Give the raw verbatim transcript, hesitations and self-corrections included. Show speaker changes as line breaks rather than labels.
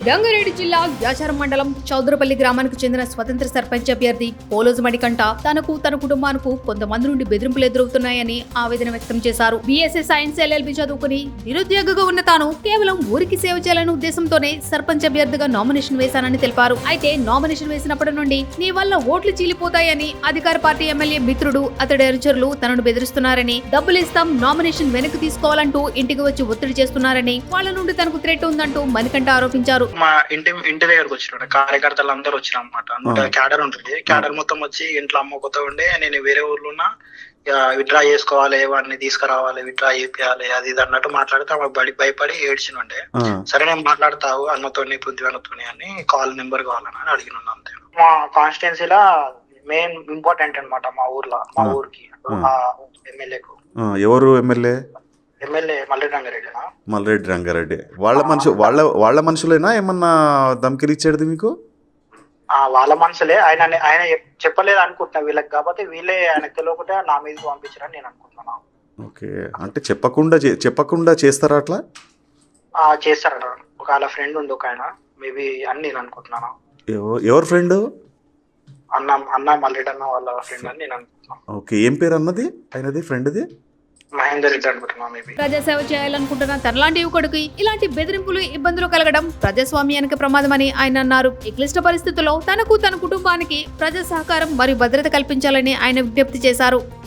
రంగారెడ్డి జిల్లా యాచారం మండలం చౌదరపల్లి గ్రామానికి చెందిన స్వతంత్ర సర్పంచ్ అభ్యర్థి పోలోజు మణికంఠ తనకు తన కుటుంబానికి కొంతమంది నుండి బెదిరింపులు ఎదురవుతున్నాయని ఆవేదన వ్యక్తం చేశారు. బీఎస్సీ సైన్స్ ఎల్ఎల్బి చదువుకుని నిరుద్యోగిగా ఉన్న తాను కేవలం ఊరికి సేవ చేయాలనే ఉద్దేశంతోనే సర్పంచ్ అభ్యర్థిగా నామినేషన్ వేశానని తెలిపారు. అయితే నామినేషన్ వేసినప్పటి నుండి నీ వల్ల ఓట్లు చీలిపోతాయని అధికార పార్టీ ఎమ్మెల్యే మిత్రుడు అతడి అనుచరులు తనను బెదిరిస్తున్నారని, డబ్బులు ఇస్తాం నామినేషన్ వెనక్కి తీసుకోవాలంటూ ఇంటికి వచ్చి ఒత్తిడి చేస్తున్నారని, వాళ్ళ నుండి తనకు థ్రెట్ ఉందంటూ మణికంఠ ఆరోపించారు.
మా ఇంటి ఇంటి దగ్గరకు వచ్చిన కార్యకర్తలు అందరూ వచ్చిన అనమాట. క్యాడర్ ఉంటుంది, క్యాడర్ మొత్తం వచ్చి ఇంట్లో అమ్మ కొత్త ఉండే నేను వేరే ఊర్లో ఉన్నా, విత్డ్రా చేసుకోవాలి, వాడిని తీసుకురావాలి, విత్డ్రా చేపియాలి, అది ఇది అన్నట్టు మాట్లాడితే ఆమె బడి భయపడి ఏడ్చినుండే. సరే నేను మాట్లాడతావు అన్నతోని పృథ్వీనతోని అని కాల్ నెంబర్ కావాలని అడిగిన అంతే. మా కాన్స్టిట్యున్సీలా మెయిన్ ఇంపార్టెంట్ అనమాట మా ఊర్లో, మా ఊరికి ఎమ్మెల్యేకు.
ఎవరు ఎమ్మెల్యే?
ఎమ్మెల్యే మల్రెడ్డి రంగారెడ్డి.
మల్రెడ్డి రంగారెడ్డి వాళ్ళ మనుషు వాళ్ళ వాళ్ళ మనుషులేనా ఏమన్నా ధమ్కిలు ఇచ్చేది మీకు?
వాళ్ళ మనుషులే. ఆయన ఆయన చెప్పలేదు అనుకుంటున్నా వీళ్ళకి, కాబట్టి వీళ్ళే ఆయనకు తెలియకుండా నా మీదకి పంపించారని నేను అనుకుంటున్నాను.
ఓకే, అంటే చెప్పకుండా చెప్పకుండా చేస్తారా అట్లా?
చేస్తారట. ఒక వాళ్ళ ఫ్రెండ్ ఉంది ఒక ఆయన, మేబీ అని నేను అనుకుంటున్నాను.
ఎవరు ఫ్రెండ్?
అన్న అన్న మల్రెడ్డి అన్న వాళ్ళ ఫ్రెండ్ అని నేను అనుకుంటున్నాను.
ఓకే, ఏం పేరు అన్నది ఆయనది ఫ్రెండ్ది?
మహేందర్ రెడ్డి అనుకుంటున్నా. మేబీ
ప్రజాసేవ చేయాలనుకుంటున్న తనలాంటి యువకుడికి ఇలాంటి బెదిరింపులు, ఇబ్బందులు కలగడం ప్రజాస్వామ్యానికి ప్రమాదమని ఆయన అన్నారు. ఈ క్లిష్ట పరిస్థితుల్లో తనకు తన కుటుంబానికి ప్రజా సహకారం మరియు భద్రత కల్పించాలని ఆయన విజ్ఞప్తి చేశారు.